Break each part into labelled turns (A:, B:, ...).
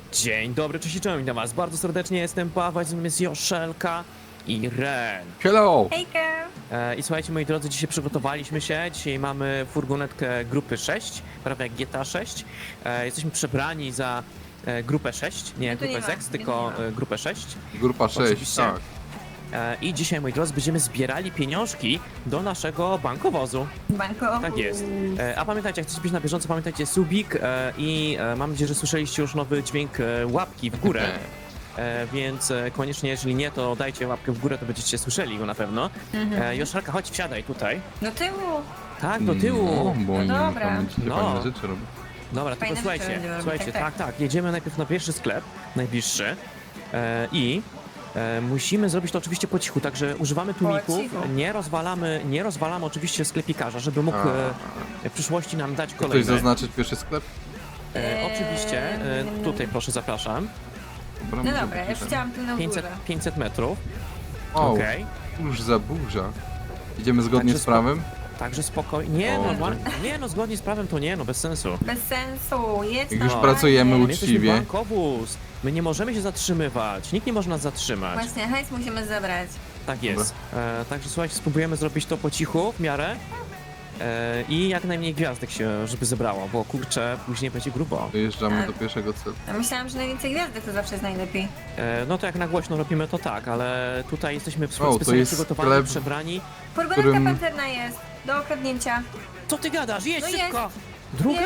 A: Dzień dobry, cześć i czołem, witam was bardzo serdecznie, jestem Paweł, z nami jest Joszelka i Ren.
B: Hello!
C: Hejka!
A: I słuchajcie, moi drodzy, dzisiaj przygotowaliśmy się, dzisiaj mamy furgonetkę grupy 6, prawie jak GTA 6. Jesteśmy przebrani za grupę 6, nie
C: No to nie
A: grupę
C: ma,
A: ZEX,
C: nie
A: tylko
C: ma.
A: grupę 6.
B: Grupa 6,
A: Oczywiście.
B: tak.
A: I dzisiaj, moi drodzy, będziemy zbierali pieniążki do naszego bankowozu.
C: Banko.
A: Tak jest. A pamiętajcie, jak chcecie być na bieżąco, pamiętajcie subik i mam nadzieję, że słyszeliście już nowy dźwięk łapki w górę. Więc koniecznie, jeżeli nie, to dajcie łapkę w górę, to będziecie słyszeli go na pewno. Joszelka, chodź, wsiadaj tutaj.
C: Do tyłu.
A: Tak, do tyłu.
B: No, bo oni
C: No dobra.
B: pamiętacie,
A: No.
B: fajne rzeczy robią.
A: Dobra, tylko
C: Fajne rzeczy
A: słuchajcie,
C: będziemy robić,
A: słuchajcie,
C: tak,
A: tak, jedziemy najpierw na pierwszy sklep, najbliższy. I musimy zrobić to oczywiście po cichu, także używamy tłumików,
C: cichu.
A: nie rozwalamy oczywiście sklepikarza, żeby mógł w przyszłości nam dać
B: Ktoś
A: kolejne.
B: zaznaczyć pierwszy sklep?
A: Oczywiście, tutaj proszę, zapraszam.
B: Dobra,
C: No
B: może
C: dobra,
B: być
C: już
B: ten.
C: chciałam tu na
A: 500,
C: górze.
A: 500 metrów,
B: O,
A: okej.
B: już za burza. Idziemy zgodnie
A: Także
B: z prawem?
A: Także spokojnie, nie
B: O,
A: no,
B: to-
A: nie no, zgodnie z prawem to nie no, bez sensu.
C: Bez sensu, jedź
B: Jak
C: na
B: już
C: ładnie.
B: pracujemy
A: My jesteśmy
B: uczciwie.
A: bankowóz, my nie możemy się zatrzymywać, nikt nie może nas zatrzymać.
C: Właśnie, hajs musimy zabrać.
A: Tak jest. Także słuchajcie, spróbujemy zrobić to po cichu, w miarę. I jak najmniej gwiazdek się, żeby zebrało, bo kurczę, później będzie grubo.
B: Dojeżdżamy
C: Tak.
B: do pierwszego celu.
C: A myślałam, że najwięcej gwiazdek to zawsze jest najlepiej.
A: No to jak na głośno robimy to tak, ale tutaj jesteśmy
B: to
A: specjalnie
B: jest
A: przygotowani,
B: sklep.
A: przebrani.
C: Furgonetka
B: Którym-
C: pancerna jest, do okradnięcia.
A: Co ty gadasz? Jedź
C: No
A: szybko! Druga?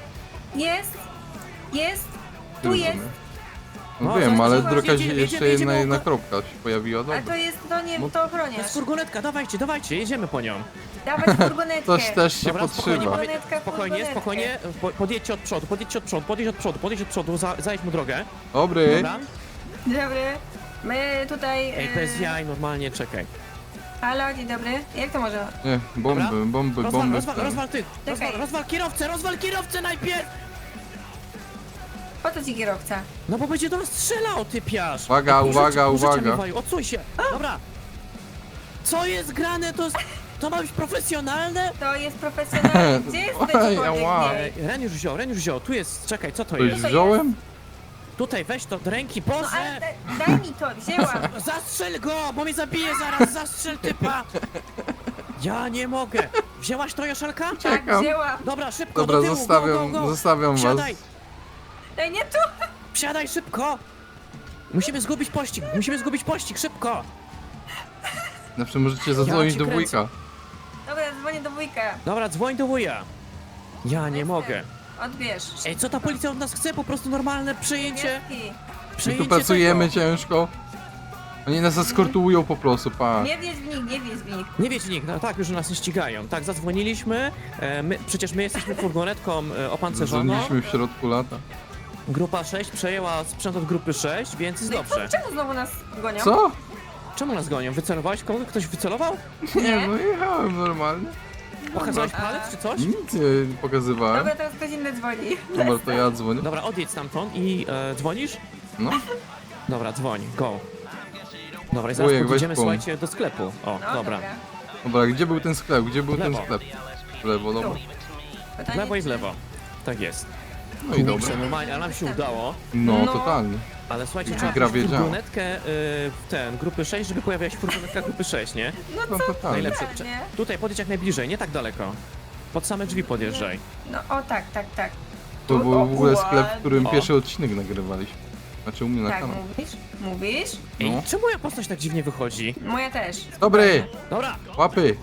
C: Jest, tu jest.
B: No
A: No,
B: wiem,
A: zaraz
B: ale
A: zobaczymy.
B: druga
A: Jedziemy,
B: jeszcze
A: jedziemy,
B: jedna
A: oko-
B: kropka się pojawiła,
C: A
B: dobra.
C: to jest, to nie,
B: No-
C: to
A: To
C: ochroniarz.
A: jest furgonetka, dawajcie, jedziemy po nią.
C: Dawać furgonetkę.
B: Coś też się
A: Dobra,
B: podszywa.
C: Furgonetka,
A: spokojnie, podjedźcie od przodu, podjedź od przodu, zajedź mu drogę.
B: Dobry.
A: Dobra?
C: Dobry. My tutaj...
A: Ej, bez jaj, normalnie, czekaj.
C: Halo, dzień dobry. Jak to może?
B: Nie,
A: Dobra.
B: bomby.
A: Rozwal kierowcę najpierw!
C: Po co ci kierowca?
A: No bo będzie do nas strzelał, ty piasz!
B: Uwaga, uwaga.
A: Odsuń się! Dobra! Co jest grane? To ma być profesjonalne?
C: To jest profesjonalne. Gdzie jest
B: Oj,
C: ten
B: ała.
A: Ej, Ren już wziął, tu jest, czekaj, co to
B: Coś
A: jest?
B: wziąłem?
A: Tutaj, weź to do ręki,
C: No
A: Boże!
C: ale daj mi to, wzięłam.
A: Zastrzel go, bo mnie zabije zaraz, zastrzel typa! Ja nie mogę! Wzięłaś to, Joszelka?
C: Tak,
B: Czekam.
C: wzięłam.
A: Dobra, szybko,
B: Dobra,
A: do tyłu, go.
B: zostawiam was.
A: Wsiadaj,
C: Ej, nie tu.
A: wsiadaj szybko! Musimy zgubić pościg, szybko!
B: Zawsze możecie zadzwonić
A: cię
B: do
A: kręcę.
B: wujka.
C: Dobra, dzwonię do wujka.
A: Dobra, dzwoń do wuja. Ja nie mogę.
C: Odbierz.
A: Ej, co ta policja od nas chce? Po prostu normalne przejęcie.
C: Gwiazdki.
B: My
A: Przejęcie
B: tu pracujemy
A: tego.
B: ciężko. Oni nas eskortują po prostu, pa.
C: Nie wjedź w nich, nie wjedź w nich.
A: Nie wiecie nikt, no tak, już nas nie ścigają. Tak, zadzwoniliśmy. Przecież my jesteśmy furgonetką opancerzoną.
B: Zadzwoniliśmy w środku lata.
A: Grupa 6 przejęła sprzęt od grupy 6, więc jest
C: No i
A: dobrze.
C: czemu znowu nas gonią?
B: Co?
A: Czemu nas gonią? Wycelowałeś kogoś? Ktoś wycelował?
B: Nie, no jechałem normalnie.
A: Pokazałeś palec czy coś?
B: Nic nie pokazywałem.
C: Dobra, teraz ktoś inny dzwoni.
B: Dobra, to ja dzwonię.
A: Dobra, odjedź stamtąd i dzwonisz?
B: No,
A: Dobra, dzwoń, go. Dobra, i zaraz
B: Wujek, weź
A: podjedziemy,
B: pum.
A: słuchajcie, do sklepu. O,
C: No,
A: dobra.
B: dobra, gdzie był ten sklep? Gdzie był
A: W
B: ten
A: lewo.
B: sklep? W lewo, dobra.
A: W
C: Pytanie,
A: lewo i w
C: czy-
A: lewo. Tak jest.
B: No i dobra.
A: Kurczę, normalnie, ale nam się udało.
B: No,
C: No.
B: totalnie.
A: Ale słuchajcie,
C: Ja.
A: trzeba
B: Gra
A: wziąć
B: wiedziała.
A: furgonetkę grupy 6, żeby pojawiała się furgonetka grupy 6, nie?
B: No, totalnie.
A: Najlepsze.
C: nie?
A: Tutaj podjedź jak najbliżej, nie tak daleko. Pod same drzwi podjeżdżaj.
C: No, o tak.
B: To był w ogóle
C: O,
B: sklep, w którym
A: O.
B: pierwszy odcinek nagrywaliśmy. Znaczy u mnie na
C: Tak,
B: kanał.
C: mówisz?
A: Ej,
B: No.
A: czemu moja postać tak dziwnie wychodzi?
C: Moja też.
B: Dobry!
A: Dobra,
B: Łapy!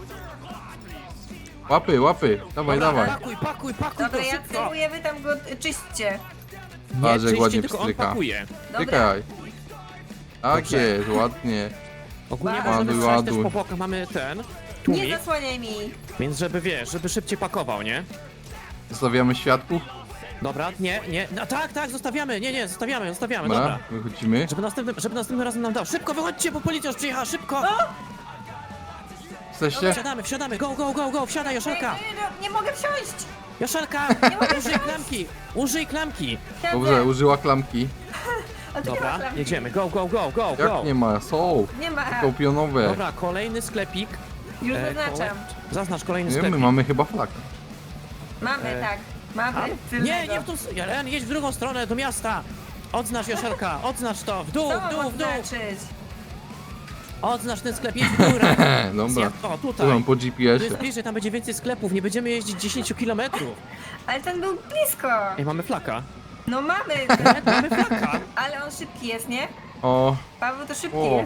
B: Łapy! Dawaj,
A: dobra,
B: dawaj.
A: pakuj
C: Dobra,
A: to
C: ja
A: szybko.
C: celuję, wy tam go czyśćcie.
A: Nie,
B: Patrz, jak
A: czyście,
B: ładnie
A: tylko on
B: pstryka.
A: pakuje.
C: Dobra.
B: Czekaj. Tak
A: Dobrze.
B: jest, ładnie.
A: Ogólnie
C: Ładuj,
A: możemy strzelać też
B: ładuj.
A: po bokach, mamy ten
C: Nie
A: tłumik,
C: zasłaniaj mi.
A: więc żeby wiesz, żeby szybciej pakował, nie?
B: Zostawiamy świadków.
A: Dobra, nie, no tak, zostawiamy, nie, zostawiamy,
B: Dobra,
A: dobra.
B: wychodzimy.
A: Żeby następnym razem nam dał. Szybko, wychodźcie, bo policja już przyjechała, szybko!
B: Jesteście?
A: Wsiadamy, go, wsiadaj, Joszelka!
C: Nie mogę wsiąść.
A: Joszelka, użyj klamki!
C: Siedzę.
B: Dobrze, użyła klamki.
C: A tu nie ma
A: Dobra,
C: klamki.
A: jedziemy, go!
B: Jak nie ma? Są.
C: Nie ma.
B: Tylko pionowe.
A: Dobra, kolejny sklepik.
C: Już zaznaczam.
A: Zaznacz kolejny
B: Nie,
A: sklepik.
B: my mamy chyba flagę.
C: Mamy, tak. Mamy.
A: Nie,
C: tylnego.
A: nie w tą stronę, jedź w drugą stronę, do miasta! Odznacz, Joszelka, odznacz to, w dół,
C: Co
A: w
C: mam
A: dół, w dół.
C: odznaczyć?
A: Odznacz ten sklep, jedź w górę.
B: Dobra,
A: O,
B: tu
A: tutaj.
B: mam po
A: Tu jest
B: GPS-ie.
A: bliżej, tam będzie więcej sklepów, nie będziemy jeździć 10 kilometrów.
C: Ale ten był blisko.
A: Ej, mamy flaka.
C: No mamy,
A: Mamy flaka.
C: ale on szybki jest, nie?
B: O,
C: Paweł to szybki
B: O.
C: jest.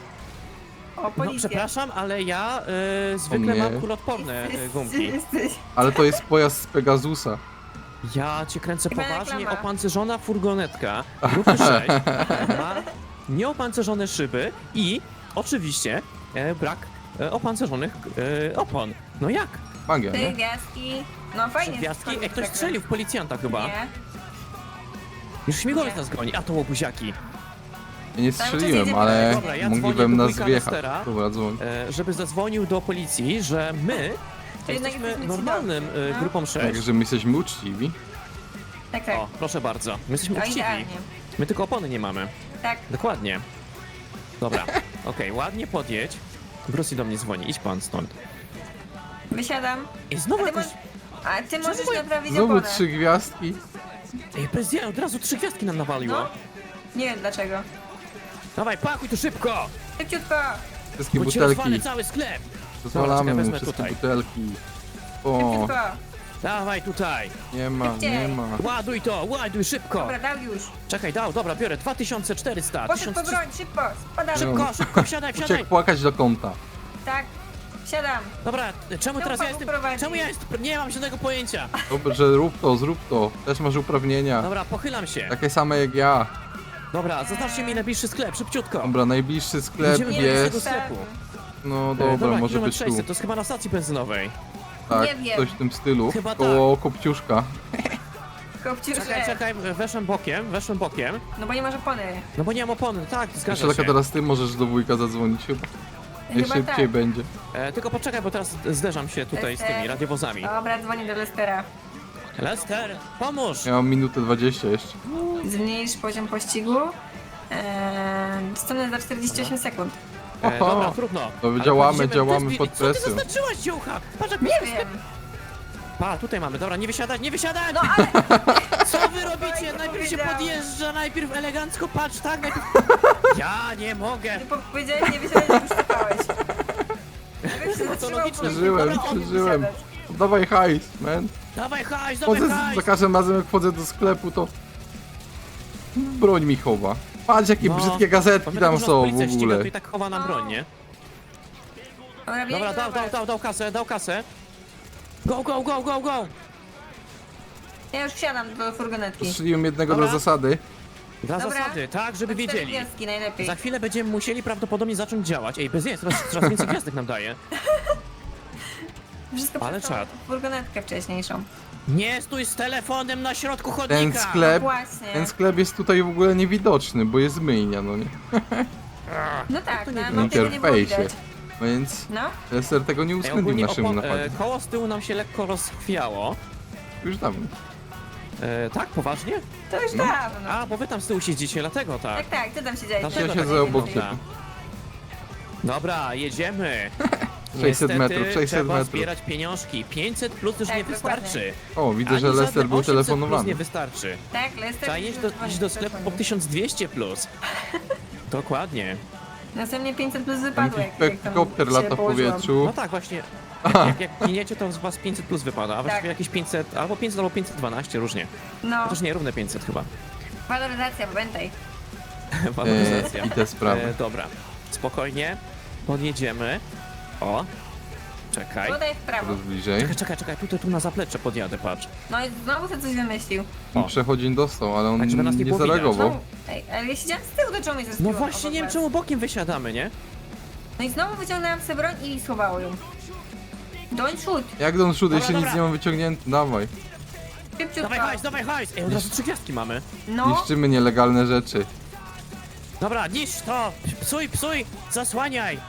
C: O,
A: No
C: policja.
A: przepraszam, ale ja zwykle
B: nie.
A: mam kuloodporne gumki.
C: Jesteś.
B: ale to jest pojazd z Pegasusa.
A: Ja cię kręcę
C: Chyba
A: poważnie,
C: reklama.
A: opancerzona furgonetka grupy 6 ma nieopancerzone szyby i oczywiście brak opancerzonych opon. No jak?
B: Magia,
C: Te
B: nie?
C: gwiazdki. No fajnie.
A: Gwiazdki? Ej, ktoś
C: tak.
A: strzelił w policjanta chyba.
C: Nie.
A: Już śmigłowiec
C: Nie.
A: nas goni, a to łobuziaki.
B: Ja nie
C: Cały czas
B: strzeliłem,
C: jedzie
B: ale
A: Dobra, ja
B: mogliby
A: dzwonię do
B: nas
A: wujka
B: wjechać.
A: Lestera.
B: Dobra, dzwoń.
A: Żeby zadzwonił do policji, że my
C: To jednak
A: jesteśmy
C: jesteśmy
A: normalnym
C: cudowni, no.
A: grupą 6.
B: Także my jesteśmy uczciwi.
C: Tak, tak.
A: O, proszę bardzo. My jesteśmy
C: No
A: uczciwi.
C: idealnie.
A: My tylko opony nie mamy.
C: Tak.
A: Dokładnie. Dobra, okej, ładnie podjedź. Bruce do mnie dzwoni, idź pan stąd.
C: Wysiadam.
A: I znowu
C: A ty,
A: jakoś...
C: a ty możesz
A: moje-
C: naprawić
B: Znowu
C: oponę.
B: 3 gwiazdki.
A: Ej, bez ja, od razu 3 gwiazdki nam nawaliło.
C: No. Nie wiem dlaczego.
A: Dawaj, pakuj tu szybko!
C: Szybciutko.
B: Wszystkie
A: Bo ci rozwalę
B: butelki.
A: cały sklep!
B: Pozwalamy
A: Dobra,
B: mu
A: wezmę
B: wszystkie
A: tutaj.
B: butelki. O,
C: Szybciutko.
A: Dawaj tutaj!
B: nie ma, nie ma.
A: Ładuj to, ładuj szybko!
C: Dobra, dał już.
A: Czekaj, dobra, biorę 2400,
C: Poszedł po
A: 1300...
C: broń, szybko. Spadamy.
A: Szybko, szybko, wsiadaj, wsiadaj!
B: Uciekł płakać do kąta.
C: Tak. Wsiadam.
A: Dobra, czemu teraz ja
C: Paweł
A: jestem...
C: prowadzi.
A: Czemu ja jestem... Nie mam żadnego pojęcia!
B: Dobrze, rób to, zrób to. Też masz uprawnienia.
A: Dobra, pochylam się.
B: Takie same jak ja.
A: Dobra, zaznaczcie mi najbliższy sklep, szybciutko.
B: Dobra, najbliższy sklep
A: Idziemy do
B: jest...
A: tego sklepu.
B: No dobra, może
A: kilometr
B: być tu.
A: 600, to jest chyba na stacji benzynowej.
B: Tak,
C: Nie wiem.
B: coś w tym stylu.
A: Chyba
B: Koło Kopciuszka.
C: Kopciuszek.
A: Czekaj, weszłem bokiem.
C: No bo nie masz opony.
A: No bo nie mam opony, tak,
B: Jeszcze
A: zgadza
B: taka
A: się.
B: teraz ty możesz do wujka zadzwonić chyba.
C: Chyba
B: Najszybciej
C: tak.
B: będzie.
A: Tylko poczekaj, bo teraz zderzam się tutaj z tymi
C: Lester.
A: radiowozami.
C: Dobra, dzwonię do Lestera.
A: Lester, pomóż!
B: Ja mam minutę 20 jeszcze.
C: Zmniejsz poziom pościgu. Dostępne za 48 sekund.
A: Dobra, trudno.
B: To
A: Ale
B: działamy,
A: pojedziemy
B: działamy
A: bez-
B: pod
A: Co
B: presją.
A: ty zaznaczyłaś, dziołcha? Patrz jak
C: Nie wiem.
A: Pa, tutaj mamy, dobra, nie wysiadać, nie wysiadać!
C: No ale
A: Co wy robicie?
C: nie
A: Najpierw się
C: powiedziałam.
A: podjeżdża, najpierw elegancko, patrz, tak, najpierw... Ja nie mogę!
C: nie powiedziałeś, nie wiedziałeś, że już czekałeś. Jakbyś się
A: No to
C: zatrzymał,
A: logiczne.
B: Przeżyłem,
A: Dobra, on
B: przeżyłem.
C: wysiadać.
B: Dawaj hajs, man.
A: Dawaj hajs,
B: Chodzę
A: dawaj
B: za
A: hajs!
B: każdym razem jak wchodzę do sklepu to... Broń mi chowa. Patrz jakie
A: No,
B: brzydkie gazetki
A: Pamiętam,
B: tam
A: że nas
B: są w
A: policja ściga,
B: ogóle.
A: to i tak chowa nam broń, nie?
C: Dobra, biegnij
A: Dobra,
C: do was.
A: dał kasę. Go, go, go, go, go!
C: Ja już wsiadam do furgonetki.
B: Strzeliłem jednego
A: Dobra.
B: dla zasady.
A: Dla
C: Dobra.
A: zasady, tak, żeby
C: To 4
A: wiedzieli.
C: gwiazdki najlepiej.
A: Za chwilę będziemy musieli prawdopodobnie zacząć działać. Ej, bez jest, coraz więcej gwiazdek nam daje.
C: Wszystko
A: Ale
C: przez tą
A: czad.
C: furgonetkę wcześniejszą.
A: Nie stój z telefonem na środku chodnika!
B: Ten sklep,
C: Właśnie.
B: ten sklep jest tutaj w ogóle niewidoczny, bo jest myjnia, no nie?
C: No tak,
A: to
C: na
A: nie
C: mapie tego nie było
B: Interfejsie.
C: widać.
B: Więc
C: No,
B: Lester tego nie
A: Ej,
B: uwzględnił w
A: ogólnie
B: naszym napadzie.
A: koło z tyłu nam się lekko rozchwiało.
B: Już dawno.
A: Tak, poważnie?
C: to już
B: No.
C: dawno.
A: A, bo wy tam z tyłu siedzicie, dlatego tak.
C: Tak, tak, ty tam siedziałeś.
A: Dlaczego
B: Ja
A: tak
B: siedzę
A: nie
B: obok
A: można?
B: ciebie.
A: Dobra, jedziemy.
B: 600
A: Niestety,
B: metrów, 600
A: trzeba
B: metrów.
A: zbierać pieniążki. 500 plus już
C: Tak,
A: nie
C: dokładnie.
A: wystarczy.
B: O, widzę,
A: Ani
B: że
A: żadne
B: Lester był
A: 800 plus
B: telefonowany.
A: nie wystarczy.
C: Tak, Lester.
A: Trzeba iść do sklepu po 1200 plus. Dokładnie.
C: Następnie 500 plus
B: Tam
C: wypadło,
B: jakiś
C: jak tam
B: helikopter
C: się
B: lata w
C: położyłam.
B: powietrzu.
A: No tak, właśnie. Jak giniecie, to z was 500 plus wypada, a właściwie
C: Tak.
A: jakieś 500, albo 500, albo 512, różnie.
C: No,
A: Chociaż nie, równe 500 chyba.
C: waloryzacja, pamiętaj.
A: Waloryzacja.
B: I te sprawy.
A: Dobra, spokojnie. Podjedziemy. O. Czekaj.
C: Tutaj w prawo.
B: Coraz bliżej.
A: Czekaj, tu na zaplecze podjadę, patrz.
C: No i znowu sobie coś wymyślił.
A: O.
B: Przechodzień dostał, ale on
A: Tak, żeby nas nie
B: nie
A: było widać.
B: zareagował.
C: Znowu, ej, ale ja siedziałam z tyłu, to czemu mnie
A: No
C: zespiło
A: właśnie,
C: obok
A: nie wiem
C: was?
A: czemu bokiem wysiadamy, nie?
C: No i znowu wyciągnęłam sobie broń i schowało ją. Don't shoot.
B: Jak Don Shoot, jeszcze
A: Dobra.
B: nic nie mam wyciągnięty, dawaj.
C: Szybciutko.
A: Dawaj hajs! Ej, od razu 3 gwiazdki mamy.
C: No,
B: Niszczymy nielegalne rzeczy.
A: Dobra, niszcz to! Psuj! Zasłaniaj!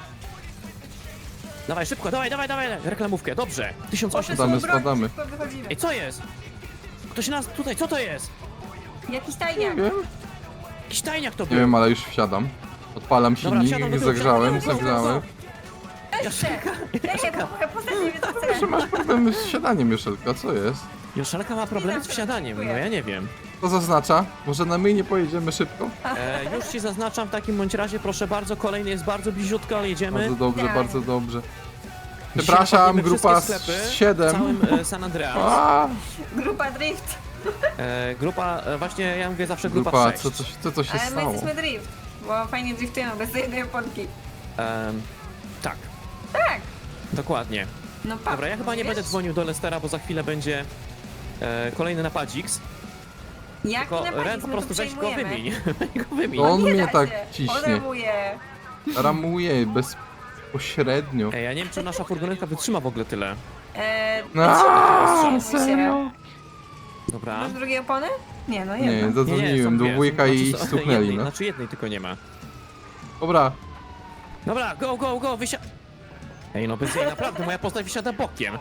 A: Dawaj, szybko, dawaj, reklamówkę, dobrze. 1800.
B: Spadamy,
C: broń,
B: spadamy.
C: szybko wychodzimy.
A: Ej, co jest? Ktoś nas tutaj, co to jest?
C: Jakiś
B: Nie
C: tajniak.
B: wiem.
A: Jakiś tajniak to
B: Nie
A: był.
B: wiem, ale już wsiadam. Odpalam
A: Dobra,
B: silnik,
A: wsiadam do tyłu,
B: zagrzałem,
A: wsiadam do tyłu,
B: zagrzałem.
A: Joszelka,
C: Czekaj, bo postać nie wie co chce.
B: Że masz problemy z siadaniem, Joszelka, co jest?
A: Joszelka ma problemy z wsiadaniem, no ja nie wiem.
B: To zaznacza? Może na my nie pojedziemy szybko?
A: Już ci zaznaczam w takim bądź razie, proszę bardzo, kolejny jest bardzo bliziutko, ale jedziemy.
B: Bardzo dobrze,
C: Tak.
B: bardzo dobrze.
A: Dzisiaj
B: Przepraszam,
A: napadniemy
B: grupa
A: wszystkie sklepy w
B: 7.
A: całym San Andreas.
B: A,
C: Grupa Drift.
A: Grupa, właśnie ja mówię zawsze grupa,
B: grupa,
A: 6.
B: co się
C: Ale my
B: stało?
C: jesteśmy Drift. Bo fajnie driftujemy bez jednej oponki.
A: Tak,
C: Tak.
A: dokładnie.
C: No pa.
A: Dobra, ja chyba nie
C: wiesz?
A: będę dzwonił do Lestera, bo za chwilę będzie kolejny napadzik.
C: Jak
A: Tylko
C: napadzić?
A: Ren po
C: My
A: prostu
C: tu
A: weź go
C: przejmujemy.
A: wymień. Weź go wymień.
B: No on
C: Nie
B: mnie
C: da
B: tak
C: się.
B: ciśnie.
C: Odejmuję.
B: Ramuje bezpośrednio.
A: Ej, ja nie wiem, czy nasza furgonetka wytrzyma w ogóle tyle.
B: Aaaa,
C: się.
B: serio?
A: Dobra.
C: Masz drugie opony? Nie, no
B: Nie,
C: jedna.
A: są
B: zadzwoniłem do
A: dwie.
B: wujka i
A: Znaczy,
B: stuknęli,
A: jednej,
B: no.
A: Znaczy jednej tylko nie ma.
B: Dobra,
A: Dobra, go, Ej, no bez jej naprawdę, moja postać wysiada bokiem.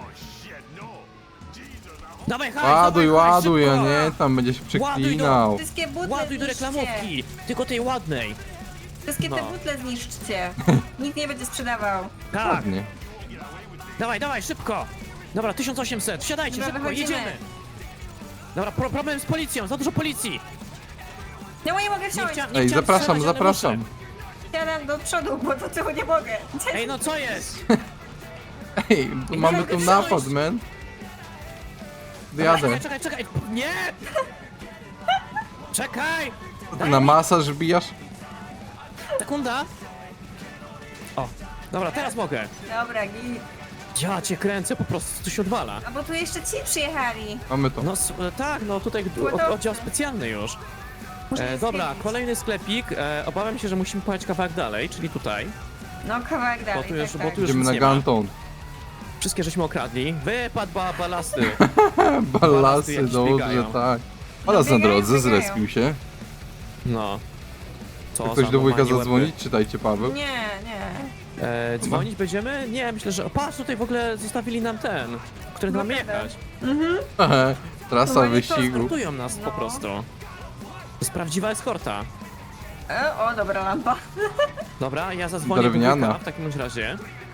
A: Dawaj, hajs,
B: ładuj,
A: dawaj, hajs,
B: ładuj, a
A: szybko!
B: nie, tam będziesz przeklinał.
C: Wszystkie butle
A: Ładuj do
C: zniszczcie.
A: reklamówki, tylko tej ładnej.
C: Wszystkie te
A: No.
C: butle zniszczcie. Nikt nie będzie sprzedawał.
A: Tak,
B: Ładnie.
A: dawaj, szybko. Dobra, 1800, wsiadajcie,
C: Dobra,
A: szybko,
C: wychodzimy.
A: jedziemy. Dobra, problem z policją, za dużo policji.
C: No nie mogę wsiąść.
A: Nie
B: Ej,
A: chciałem
B: zapraszam,
A: strzelać, ale
B: zapraszam.
A: muszę.
C: Siadam do przodu, bo do tyłu nie mogę.
A: Ej, no co jest?
B: Ej, tu mamy
C: mogę
B: tu
C: wsiąść.
B: napad, man.
A: Dobra,
B: Jadę.
A: czekaj, nie! Czekaj!
B: Ty na masaż wbijasz?
A: Sekunda. O, dobra, teraz mogę.
C: Dobra, git.
A: Ja cię kręcę, po prostu tu się odwala.
C: A bo tu jeszcze ci przyjechali.
B: Mamy to.
A: No tak, no tutaj oddział specjalny już.
C: Muszę je
A: Dobra,
C: zwiedzić.
A: kolejny sklepik. Obawiam się, że musimy pojechać kawałek dalej, czyli tutaj.
C: No kawałek dalej,
A: tu już-
C: tak,
A: bo
C: tak.
A: tu już-
B: Idziemy
A: nic
B: na
A: nie ma.
B: Ganton.
A: Wszystkie żeśmy okradli. Wypadł balasty.
B: Balasy,
A: jakieś
B: dobrze,
A: biegają.
B: tak. Balas na
C: biegają,
B: drodze,
C: biegają.
B: zrespił się.
A: No. Co
B: Chce ktoś
A: za
B: do wujka
A: normalnie
B: zadzwonić? Czytajcie, Paweł.
C: Nie, nie.
A: Dzwonić będziemy? Nie, myślę, że... O, patrz, tutaj w ogóle zostawili nam ten, który nam
C: Blokadę.
A: jechać.
B: Trasa
C: No, nie
B: wyścigu.
A: Eskortują nas po
C: No.
A: prostu. To jest prawdziwa eskorta.
C: O, dobra lampa.
A: Dobra, ja zadzwonię do
B: Drewniana.
A: wujka w takim bądź razie.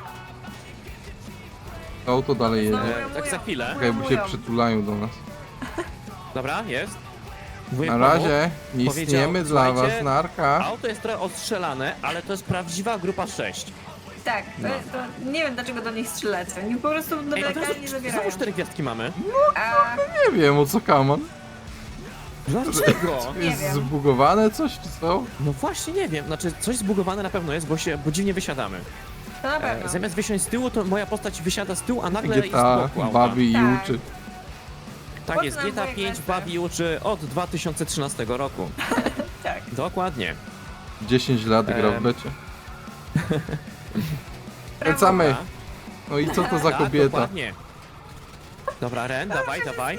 B: Auto dalej jedzie.
A: Tak za chwilę.
B: Czekaj, bo się przytulają do nas.
A: Dobra, jest. Wujek
B: Na
A: pomógł.
B: razie, nie
A: Powiedział,
B: istniemy dla was,
A: słuchajcie,
B: narka.
A: Auto jest trochę ostrzelane, ale to jest prawdziwa grupa 6.
C: Tak,
A: No.
C: to nie wiem dlaczego do nich strzelacie. Oni po prostu do
A: Ej, od razu,
C: legalnie zabierają.
A: znowu 4 gwiazdki mamy.
C: A
B: Nie wiem, o co kaman.
A: Dlaczego?
C: Nie
B: Jest
C: wiem.
B: zbugowane coś, czy co?
A: No właśnie nie wiem, znaczy coś zbugowane na pewno jest, bo dziwnie wysiadamy.
C: to na pewno.
A: Zamiast wysiąść z tyłu, to moja postać wysiada z tyłu, a nagle jest z
B: GTA
A: boku auta.
B: bawi i
C: Tak.
B: uczy.
A: Tak jest,
C: Poznam
A: GTA
C: moje
A: 5
C: kwestie.
A: bawi i uczy od 2013 roku.
C: Tak.
A: Dokładnie.
B: 10 lat gra w
A: Em.
B: becie. Kręcamy.
A: Dobra.
B: No i co to za
A: Tak,
B: kobieta?
A: dokładnie. Dobra, Ren, dawaj.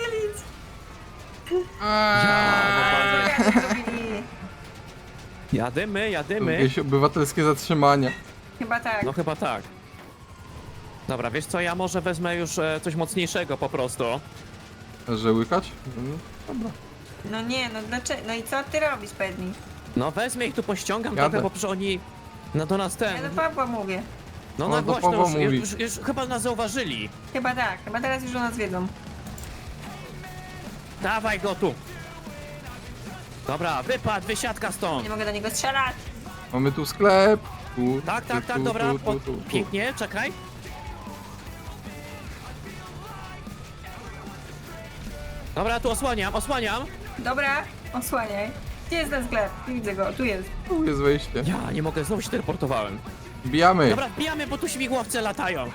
C: A, jak to zrobili?
A: Jadymy.
B: Jakieś obywatelskie zatrzymania.
C: Chyba tak.
A: No chyba tak. Dobra, wiesz co, ja może wezmę już coś mocniejszego po prostu.
B: Że łykać? Dobra.
C: No nie, no dlaczego? No i co ty robisz, Pedni?
A: No wezmę ich tu pościągam
B: Jadę.
A: trochę, bo przecież oni do nas
C: Ja
A: ten...
C: do Pawła mówię.
A: No
B: O,
A: na
B: do
A: głośno
B: Pawła
A: już,
B: mówi.
A: już chyba nas zauważyli.
C: Chyba tak, chyba teraz już o nas wiedzą.
A: Dawaj go tu. Dobra, wysiadka stąd.
C: Nie mogę do niego strzelać.
B: Mamy tu sklep. Tu,
A: Tak,
B: tu,
A: dobra,
B: tu.
A: pięknie, czekaj. Dobra, tu osłaniam.
C: Dobra, osłaniaj. Gdzie jest ten sklep? Nie widzę go, tu jest.
B: Tu jest wejście.
A: Ja nie mogę, znowu się teleportowałem.
B: Bijamy.
A: Dobra, wbijamy, bo tu śmigłowce latają.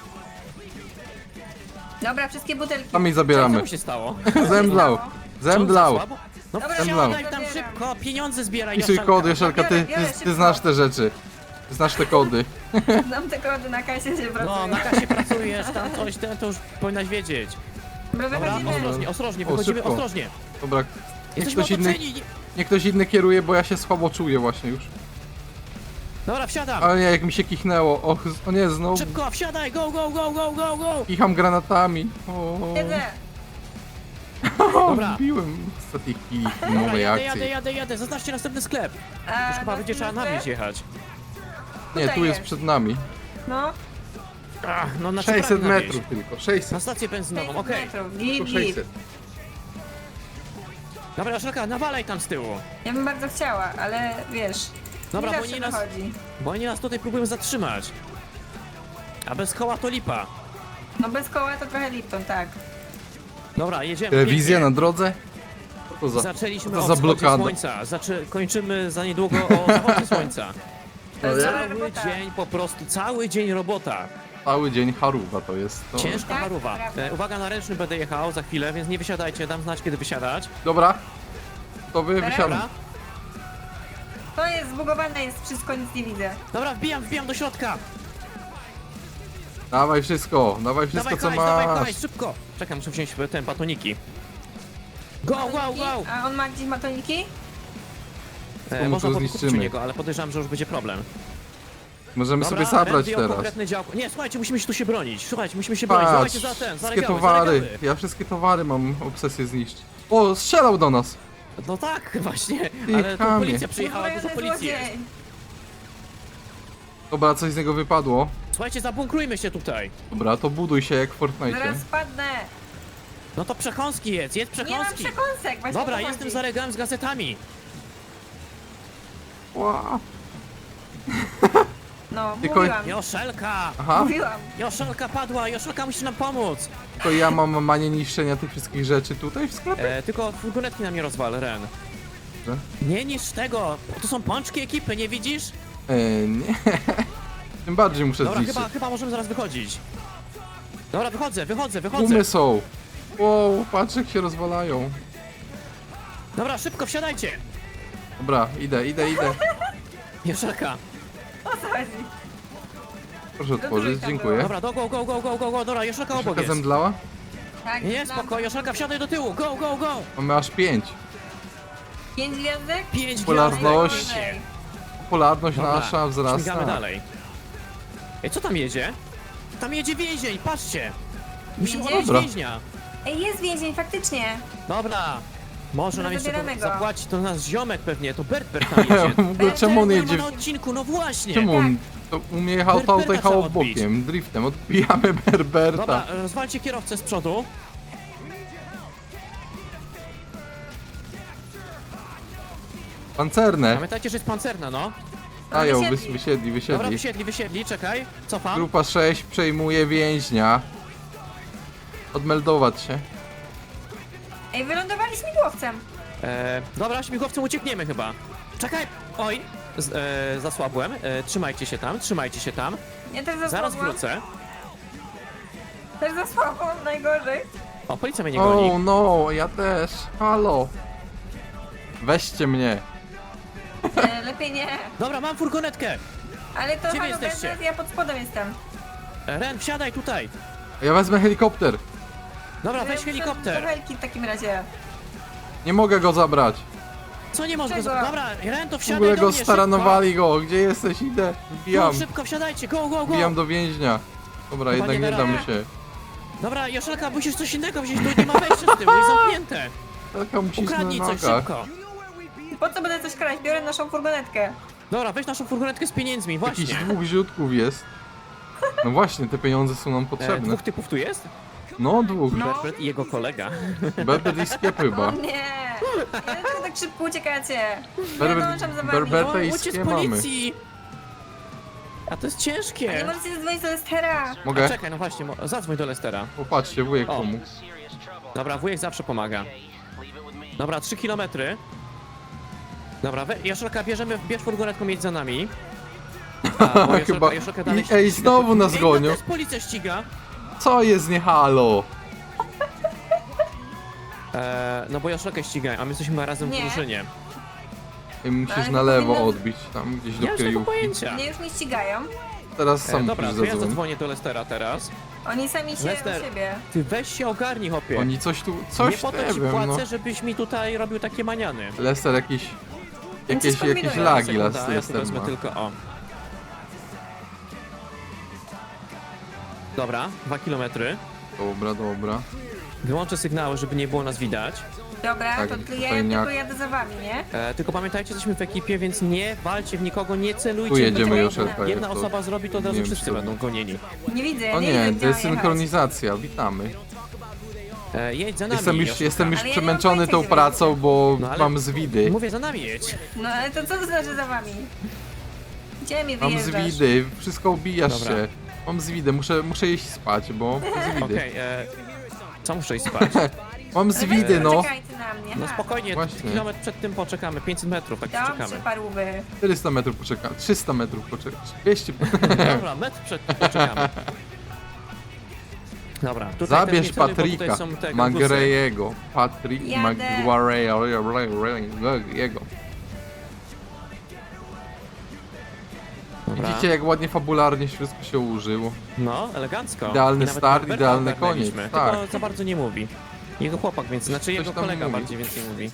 C: Dobra, wszystkie butelki.
B: Tam i
A: Co
B: zabieramy.
A: mu się stało?
B: Zemdlał. Zemdlał.
A: Co, za słabo? No
C: Dobra,
B: Zemdlał.
A: wsiadaj tam
C: zabieram.
A: szybko, pieniądze zbieraj,
B: Pisuj
A: Jaszczanka.
B: kody, Joszelka, ty
C: Biorę,
B: ty
C: szybko.
B: znasz te rzeczy. Znasz te kody.
C: Znam te kody na kasie się pracują.
A: No, na kasie pracujesz, tam coś, to już powinnaś wiedzieć.
C: Dobra,
A: Dobra,
C: wychodzimy.
A: ostrożnie,
B: O,
A: wychodzimy
B: szybko.
A: ostrożnie.
B: Dobra, niech
A: Jesteśmy
B: ktoś inny,
A: otoczeni.
B: niech ktoś inny kieruje, bo ja się słabo czuję właśnie już.
A: Dobra, wsiadam.
B: Ale nie, jak mi się kichnęło. O nie, znowu
A: Szybko, wsiadaj, go.
B: kicham granatami. O,
C: Siedzę.
A: Dobra.
B: Wbiłem z tej chwili
A: Dobra,
B: nowej akcji.
A: jadę. Zaznaczcie następny sklep.
C: A,
A: Już chyba
C: no,
A: będzie trzeba na
C: sklep?
A: wieś jechać.
B: Nie,
C: Tutaj
B: tu jest
C: jest.
B: przed nami.
C: No,
A: Ach, no na
B: 600
A: na wieś.
B: metrów tylko, 600.
A: Na stację benzynową,
C: 500
A: okej.
C: metrów. Git, git.
B: 600.
A: Dobra, Joszelka, nawalaj tam z tyłu.
C: Ja bym bardzo chciała, ale wiesz,
A: Dobra,
C: nie
A: bo
C: zawsze
A: oni nas,
C: wychodzi.
A: bo oni nas tutaj próbują zatrzymać. A bez koła to lipa.
C: No bez koła to trochę Lipton, tak.
A: Dobra, jedziemy.
B: Telewizja
A: pięknie.
B: na drodze? Co to za...
A: Zaczęliśmy
B: to
A: o
B: za
A: wschodzie
B: blokada?
A: słońca, kończymy za niedługo o zachodzie słońca.
C: To jest dobra
A: Cały
C: robota.
A: dzień po prostu, cały dzień robota.
B: Cały dzień haruwa to jest. To...
A: Ciężka
C: Tak,
A: paruwa.
C: prawda.
A: Uwaga, na ręczny będę jechał za chwilę, więc nie wysiadajcie, dam znać kiedy wysiadać.
B: Dobra. To wy
C: Dobra.
B: wysiadam.
A: Dobra,
C: To jest zbugowane, jest wszystko, nic nie widzę.
A: dobra, wbijam do środka.
B: Dawaj wszystko
A: Dawaj
B: co
A: hajs,
B: masz.
A: dawaj, szybko. Czekaj, muszę wziąć te batoniki. Go, wow, wow.
C: A on ma gdzieś batoniki?
B: mu
A: Można
B: to
A: podkupić u
B: zniszczymy.
A: niego, ale podejrzewam, że już będzie problem.
B: Możemy
A: Dobra,
B: sobie zabrać
A: Ren wyjął
B: teraz.
A: konkretne działko. Nie, słuchajcie, musimy się tu się bronić. Słuchajcie, musimy się bronić.
B: Patrz,
A: Dawajcie za ten, za
B: wszystkie
A: regały,
B: towary.
A: za regały.
B: Ja wszystkie towary mam obsesję zniszczyć. O, strzelał do nas.
A: No tak, właśnie,
B: Ty
A: ale tu
B: chamie.
A: policja przyjechała, dużo
C: Uzbrojony
A: policji jest.
C: złodziej.
B: Dobra, coś z niego wypadło.
A: Słuchajcie, zabunkrujmy się tutaj.
B: Dobra, to buduj się jak w Fortnite.
C: Zaraz spadnę.
A: No to przekąski jedz
C: Nie mam
A: przekąski.
C: przekąsek, właśnie
A: Dobra,
C: o to
A: jestem
C: chodzi.
A: za regałem z gazetami.
B: Ła.
C: No,
B: Tylko-
C: mówiłam,
A: Joszelka!
B: Aha,
C: mówiłam.
A: Joszelka padła, Joszelka musi nam pomóc.
B: to ja mam manię niszczenia tych wszystkich rzeczy tutaj w sklepie?
A: Tylko furgonetki nam nie rozwal, Ren.
B: Że?
A: Nie niż tego, to są pączki ekipy, nie widzisz?
B: Nie. Tym bardziej muszę
A: Dobra,
B: zniszczyć.
A: chyba możemy zaraz wychodzić. Dobra, wychodzę.
B: Gumy są. Wow, patrz jak się rozwalają.
A: Dobra, szybko, wsiadajcie.
B: Dobra, idę.
A: Joszelka.
C: O co chodzi?
B: Proszę otworzyć,
C: trójka
B: dziękuję.
A: Dobra, go. Dobra, Joszelka obok
B: Joszelka
A: jest.
B: zemdlała?
C: Tak,
A: Nie,
C: znam.
A: spoko, Joszelka, wsiadaj do tyłu. Go.
B: Mamy aż 5.
C: 5 gwiazdek?
A: 5
B: Popularność.
C: Najwyżej.
B: Popularność
A: Dobra,
B: nasza
A: śmigamy
B: wzrasta.
A: dalej. Ej, co tam jedzie? Tam jedzie więzień, patrzcie. Musimy
C: Więzień?
A: odnieść
B: Dobra.
A: więźnia.
C: Ej, jest więzień, faktycznie.
A: Dobra. Może
C: No
A: nam jeszcze
C: zabieramy go.
A: zapłaci, to nasz ziomek pewnie, to Bert tam jedzie.
B: W ogóle czemu on
A: Nie
B: jedzie?
A: ma na odcinku, no właśnie.
B: Czemu on to umie jechał to
A: Berberta
B: jechał
A: trzeba odbić.
B: bokiem, driftem, odbijamy Berberta.
A: Dobra, rozwalcie kierowcę z przodu.
B: Pancerne.
A: Pamiętajcie, że jest pancerna, no.
B: Dają,
C: wysiedli.
A: Dobra,
B: wysiedli.
A: wysiedli, czekaj. Cofam.
B: Grupa 6 przejmuje więźnia. Odmeldować się.
C: Ej, wylądowali śmigłowcem.
A: Dobra, śmigłowcem uciekniemy chyba. Czekaj! Oj! Zasłabłem. Trzymajcie się tam.
C: Ja też za
A: Zaraz
C: słabo.
A: wrócę.
C: Też za słabo, najgorzej.
A: O, policja mnie nie goni.
B: Oh no, ja też. Halo. Weźcie mnie.
C: Lepiej nie.
A: Dobra, mam furgonetkę.
C: Ale to
A: Gdzie wy
C: halo,
A: jesteście?
C: teraz ja pod spodem jestem.
A: Ren, wsiadaj tutaj.
B: Ja wezmę helikopter.
A: Dobra, weź
C: Do
A: helikopter.
C: helki w takim razie.
B: Nie mogę go zabrać.
A: Co nie można?
C: Czego?
A: Dobra, Ren, to
B: W
A: wsiadaj
B: ogóle
A: do
B: go
A: mnie,
B: staranowali go. Gdzie jesteś? Idę.
A: szybko.
B: Wbijam.
A: No, szybko wsiadajcie, go.
B: Wbijam do więźnia. Dobra,
A: Chyba
B: jednak
A: nie
B: nie
A: da
B: dam
A: rady.
B: się.
A: Dobra, Joszelka, musisz coś innego wziąć, tu nie ma wejścia z tyłu, jest zamknięte.
B: Taka musisz na
A: Ukradnij coś
B: nogach.
A: szybko.
C: Po co będę coś kraść? Biorę naszą furgonetkę.
A: Dobra, weź naszą furgonetkę z pieniędzmi,
B: Jakiś
A: właśnie.
B: 2 ziutków jest. No właśnie, te pieniądze są nam potrzebne.
A: 2 typów tu jest?
B: No, 2.
C: No.
A: Berbert i jego kolega.
B: Berber i Skiep
C: O
B: chyba.
C: nie! Dlaczego tak szybko uciekacie? Ja
B: Berber-
C: dołączam za wami.
B: Berberta i
A: O, uciec z
B: Skie mamy.
A: policji! A to jest
C: A nie
A: ciężkie.
C: możecie zadzwonić do Lestera.
A: A
B: Mogę?
A: czekaj, no właśnie, zadzwoń do Lestera.
B: Popatrzcie, wujek
A: O.
B: pomógł.
A: Dobra, wujek zawsze pomaga. Dobra, 3 kilometry. Dobra, Joszelka, bierz furgonetką, jedź za nami. A, bo
B: Chyba.
A: Joszelka dalej
B: I, ej,
A: ściga
B: znowu nas
A: Ej,
B: gonią.
A: nas policja ściga.
B: Co jest nie halo?
A: No bo Joszelkę ścigają, a my jesteśmy razem w
C: Nie.
A: drużynie.
B: Ej, musisz
C: Ale
B: na
C: to
B: lewo
C: powinno-
B: odbić, tam gdzieś do
A: Nie mam tego
B: kryjówki.
A: pojęcia.
C: Mnie już nie ścigają.
B: Teraz sam
A: Dobra,
B: musisz
A: to ja
B: zadzwonić.
A: zadzwonię do Lestera teraz.
C: Oni sami się
A: Lester.
C: u siebie.
A: Ty weź się ogarnij, hopie.
B: Oni coś tu,
A: Nie
B: coś
A: po to
B: nie
A: ci
B: wiem,
A: płacę,
B: no.
A: żebyś mi tutaj robił takie maniany.
B: Lester jakieś
C: coś kombinują.
B: lagi
A: Sekunda, ja tu
B: Lester
A: wezmę
B: ma.
A: tylko, o. Dobra, 2 kilometry.
B: Dobra.
A: Wyłączę sygnały, żeby nie było nas widać.
C: Dobra,
B: Tak,
C: to ja
B: tutaj
C: tylko
B: nie-
C: jadę za wami, nie?
A: Tylko pamiętajcie, jesteśmy w ekipie, więc nie walcie w nikogo, nie celujcie.
B: Tu jedziemy,
A: Będzie-
B: Joszelka,
A: Jedna
B: jak to-
A: osoba zrobi, to od
B: nie
A: razu
B: wiem,
A: wszyscy
B: czy to-
A: będą gonieni.
C: Nie widzę,
B: O
C: nie
B: nie,
C: widzę,
B: to
C: gdzie
B: jest
C: mam jechać.
B: synchronizacja, witamy.
A: Jedź za nami.
B: Jestem już
C: Ale ja nie mam
B: przemęczony
C: pojęcia,
B: tą
C: gdzie
B: pracą,
C: będzie.
B: bo
A: No ale-
B: mam zwidy.
A: Mówię, za nami jedź.
C: No ale to co to znaczy za wami? Gdzie mi
B: Mam
C: wyjeżdżasz?
B: zwidy, wszystko ubijasz
A: Dobra.
B: się. Mam zwidy, muszę iść spać, bo zwidy.
A: Okej, co muszę iść spać?
B: Mam
C: Ale
B: zwidy,
C: weź,
B: no.
C: Poczekajcie na mnie.
A: No
C: ha.
A: spokojnie,
B: Właśnie.
A: kilometr przed tym poczekamy, 500 metrów, tak
C: Dobrze,
A: czekamy.
C: parówy.
B: 400 metrów poczekam, 300 metrów poczekam, 200.
A: Dobra, metr przed tym poczekamy. Dobra, tutaj
B: Zabierz
A: też nie celuj, bo tutaj
B: Patryka,
A: są te
B: Magrejego. Patrick
C: Jadę.
B: Magrejego.
A: Dobra.
B: Widzicie, jak ładnie fabularnie wszystko się ułożyło.
A: No, elegancko.
B: Idealny
A: I nawet
B: start,
A: Roberta
B: idealny
A: ogarnęliśmy,
B: koniec,
A: Tylko
B: tak.
A: za bardzo nie mówi. Jego chłopak, więc znaczy
B: Coś
A: jego
B: tam
A: kolega
B: mówi.
A: bardziej więcej mówi.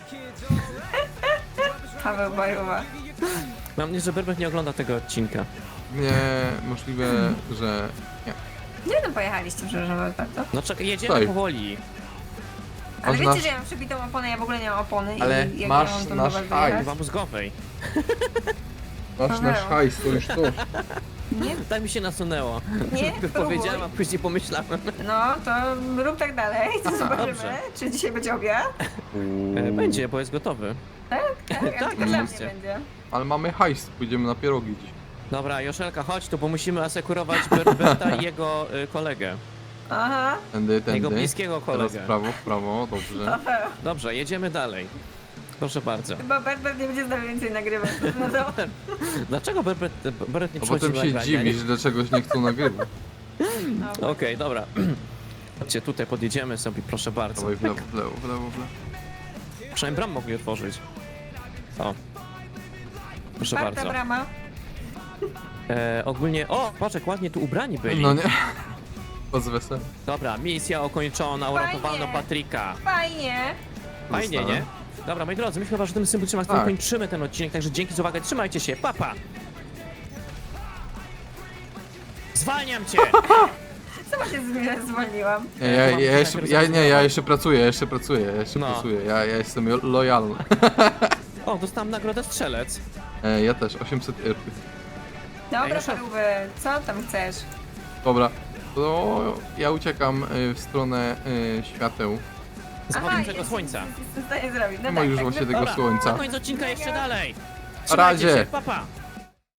C: Paweł Bajowa.
A: Mam nadzieję, że Berbert nie ogląda tego odcinka.
B: Nie, możliwe, że nie.
C: Gdzie tam pojechaliście, przepraszam bardzo?
A: No czekaj, jedziemy
B: Tutaj.
A: powoli.
C: Ale
B: Masz
C: wiecie,
B: nasz-
C: że ja mam przebitą oponę, ja w ogóle nie mam opony.
B: Ale
C: i jak
B: masz
C: ja mam tu
B: nasz
C: do was
B: hajs.
C: dojechać?
A: Chyba mózgowej.
B: Masz nasz
C: Paweł.
B: hajs, to już to.
C: Nie,
A: Tak mi się nasunęło.
C: Nie,
A: Powiedziałem, a później pomyślałem.
C: no to rób tak dalej, to zobaczymy,
A: Dobrze.
C: czy dzisiaj będzie obiad.
A: Będzie, bo jest gotowy.
C: Tak,
A: Tak,
C: tylko dla mnie
A: oczywiście.
C: będzie.
B: Ale mamy hajs, pójdziemy na pierogi dziś.
A: Dobra, Joszelka, chodź tu, bo musimy asekurować Berberta i jego kolegę.
C: Aha,
B: Tędy.
A: Jego bliskiego
B: Teraz
A: kolegę.
B: w prawo, dobrze.
C: Paweł.
A: Dobrze, jedziemy dalej. Proszę bardzo.
C: Chyba Berbert nie będzie z nami więcej nagrywać. No to
A: Dlaczego Berbert nie
B: A
A: przychodzi
B: potem
A: do
B: się
A: nagrania?
B: dziwisz, że czegoś nie chcą nagrywać.
C: no.
A: Okej, dobra. Chodźcie, tutaj podjedziemy sobie, proszę bardzo.
B: Dawaj w lewo, w lewo, w lewo, w lewo.
A: Przynajmniej bram mogli otworzyć. O. Proszę
C: Czwarta
A: bardzo.
C: brama.
A: Ogólnie... O, patrz, ładnie tu ubrani byli.
B: No nie. Pozwesel.
A: Dobra, misja ukończona, uratowano
C: Fajnie.
A: Patryka.
C: Fajnie.
A: Fajnie, nie? Dobra, moi drodzy, my chyba, że tym symbolicznym akcentem
B: Tak.
A: kończymy ten odcinek, także dzięki za uwagę, trzymajcie się, papa! Zwalniam cię!
C: Sama się zwolniłam.
B: Nie, ja,
A: mam
B: ja, jeszcze,
A: najpierw
B: ja, nie, ja
A: zacytować.
B: jeszcze pracuję, ja jestem lojalny.
A: O, dostałam nagrodę strzelec.
B: Ja też, 800 euro.
C: Dobra,
A: Ej, szef.
C: parówy, co tam chcesz?
B: Dobra, to ja uciekam w stronę świateł.
A: Zachodzącego
C: jest-
A: słońca.
C: Jestem w stanie zrobić. No
B: Nie ma
C: tak,
B: już
C: tak,
B: właśnie
C: no-
B: tego
A: Dobra,
B: słońca.
A: na koniec odcinka jeszcze dalej.
B: Na razie.
A: Trzymajcie się, papa!